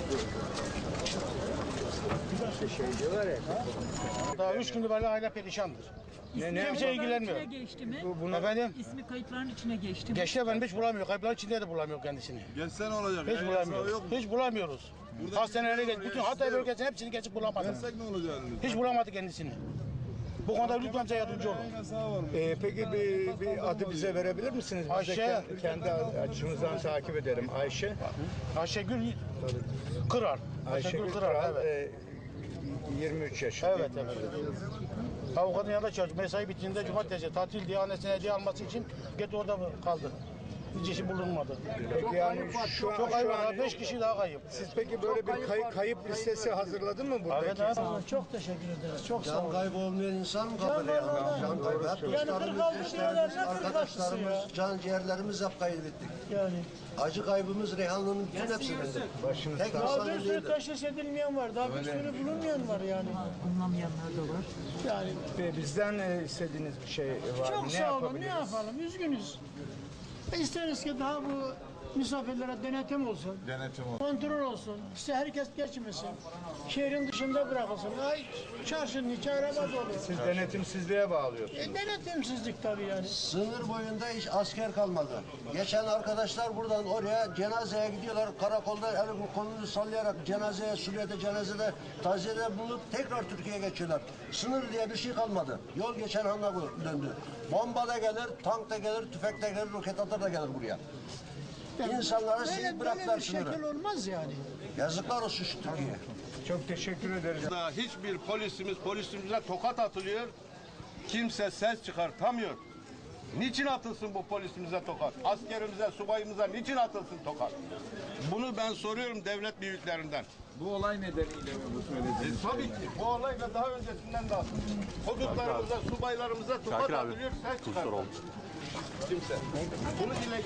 Daha 3 gündür böyle aile perişandır. Kimse ilgilenmiyor. İçine geçti mi? Efendim? İsmi kayıtların içine geçti mi? Geçti efendim, hiç bulamıyor. Kayıplar içinde de bulamıyor kendisini. Geçse ne olacak? Hiç bulamıyoruz. Hiç bulamıyoruz. Hastanelere geç, bütün Hatay bölgesinin hepsini geçip bulamadık. Geçsek ne olacak? Hiç bulamadı kendisini. Bu konuda lütfen bize yardımcı olun. Peki bir adı bize verebilir misiniz? Biz de Ayşe. kendi açımızdan takip edelim. Ayşegül Kırar. Ayşegül Kırar, evet. 23 yaşında. Evet, evet. Avukatın yanında çalışıyor. Mesai bittiğinde cumartesi tatil diye annesine hediye alması için gitti orada kaldı. Hiç işi bulunmadı. Peki yani Çok ayıp var. 5 kişi daha kayıp. siz peki böyle bir kayıp listesi hazırladın mı buradaki? Evet abi. Çok teşekkür ederiz. Çok sağ olun. Can kaybı olmayan insan mı kalır ya? Can kaybı. Hep dostlarımız, eşlerimiz, arkadaşlarımız, can ciğerlerimiz hep kaybettik. Yani. Acı kaybımız Reyhanlı'nın bütün hepsinde. Başınız Tek sağ Daha insanın bir sürü değildir. teşhis edilmeyen var. Daha bir sürü bulunmayan var yani. Anlamayanlar da var. Yani Bizden istediğiniz bir şey var mı? çok Ne sağ olun. Ne yapabiliriz? yapalım? Üzgünüz. İsteriz ki daha bu misafirlere denetim olsun. Denetim olsun. Kontrol olsun. İşte herkes geçmesin. Şehrin dışında bırakılsın. Ay çarşının içi araba dolu. Siz denetimsizliğe bağlıyorsunuz. Denetimsizlik tabii yani. Sınır boyunda hiç asker kalmadı. Geçen arkadaşlar buradan oraya cenazeye gidiyorlar. Karakolda elini kolunu sallayarak cenazeye, Suriye'de cenazede, taziyede bulup tekrar Türkiye'ye geçiyorlar. Sınır diye bir şey kalmadı. Yol geçen hanla döndü. Bomba da gelir, tank da gelir, tüfek de gelir, roket atar da gelir buraya. İnsanlara siz bıraktılar bir şekil sınırı. olmaz yani. Yazıklar olsun şu Türkiye'ye. Çok teşekkür ederiz. Daha hiçbir polisimize tokat atılıyor. Kimse ses çıkartamıyor. Niçin atılsın bu polisimize tokat? Askerimize, subayımıza niçin atılsın tokat? Bunu ben soruyorum devlet büyüklerinden. Bu olay nedeniyle mi bu söylediğiniz? Tabii ki bu olayla daha öncesinden de atılıyor. Hudutlarımıza, subaylarımıza tokat atılıyor, ses çıkartamıyor. Kimse. Bunu dile